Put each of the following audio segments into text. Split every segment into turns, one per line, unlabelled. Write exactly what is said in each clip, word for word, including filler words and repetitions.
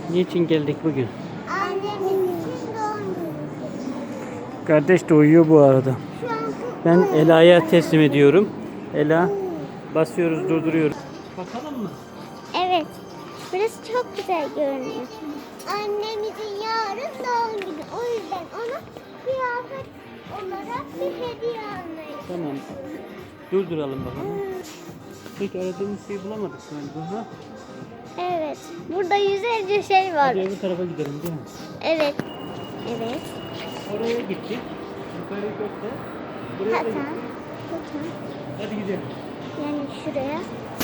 Niçin geldik bugün?
Annemin için doğum günü.
Kardeş de uyuyor bu arada.
Şu an
Ben Ela'ya teslim ediyorum. Ela basıyoruz, durduruyoruz. Bakalım mı?
Evet. Burası çok güzel görünüyor. Annemizin yarın doğum günü. O yüzden ona kıyafet olarak bir hediye almayı.
Tamam. Durduralım bakalım. Peki aradığımız şeyi bulamadık galiba. Ha?
Evet. Burada yüzlerce şey var.
Hadi öbür tarafa gidelim değil mi?
Evet. Evet.
Oraya gittik. Yukarı gökte. Buraya da
Hatta.
gittik.
Hatta.
Hadi gidelim.
Yani şuraya.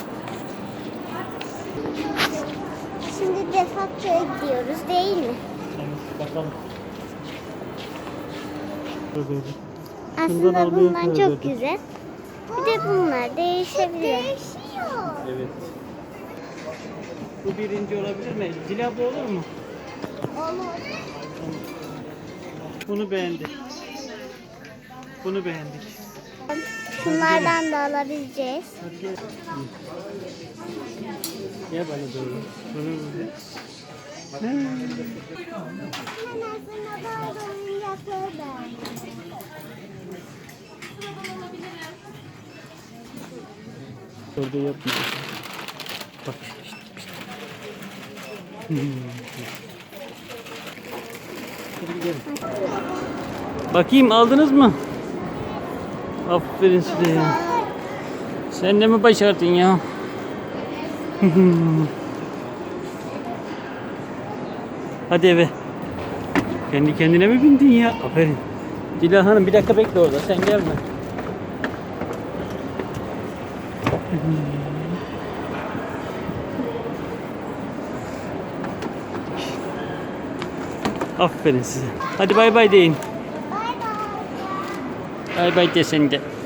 Şimdi defaktoya gidiyoruz değil mi?
Evet, bakalım. Şöyle. Şundan
Aslında
almaya
bunlar
karar
çok
verdik.
güzel. Bir de bunlar değişebilir. Değişiyor.
Evet. Bu birinci olabilir mi? Zila bu olur mu?
Olur.
Bunu beğendik. Bunu beğendik.
Şunlardan da alabileceğiz.
Hadi gel. Gel bana doğru. Bunu böyle.
Ben aslında bazı oyuncakları beğendim.
Orada yapma. Bak işte. işte. Hmm. Hadi gidelim. Bakayım aldınız mı? Aferin size ya. Sen de mi başardın ya? Hadi eve. Kendi kendine mi bindin ya? Aferin. Dila Hanım bir dakika bekle orada. Sen gelme. Aferin size. Hadi bay bay deyin.
Bay bay.
Bay bay de sen de.